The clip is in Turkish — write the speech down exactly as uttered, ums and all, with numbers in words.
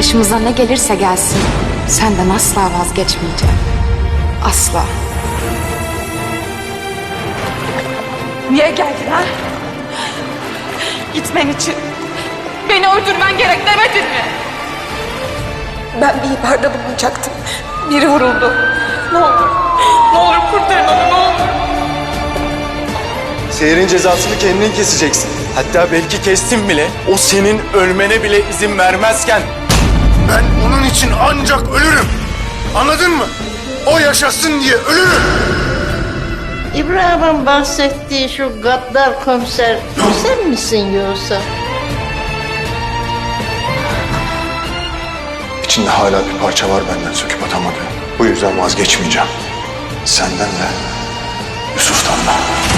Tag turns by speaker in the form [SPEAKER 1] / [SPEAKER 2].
[SPEAKER 1] Başımıza ne gelirse gelsin senden asla vazgeçmeyeceğim. Asla.
[SPEAKER 2] Niye geldin ha? Gitmen için beni öldürmen gerek demedin mi? Ben bir ihbarda bulunacaktım. Biri vuruldu. Ne olur, ne olur kurtarın onu, ne olur.
[SPEAKER 3] Seher'in cezasını kendin keseceksin. Hatta belki kestin bile. O senin ölmene bile izin vermezken.
[SPEAKER 4] Ben onun için ancak ölürüm. Anladın mı? O yaşasın diye ölürüm.
[SPEAKER 5] İbrahim'in bahsettiği şu gaddar komiser sen misin yoksa?
[SPEAKER 4] İçinde hala bir parça var benden söküp atamadığım. Bu yüzden vazgeçmeyeceğim. Senden de, Yusuf'tan da.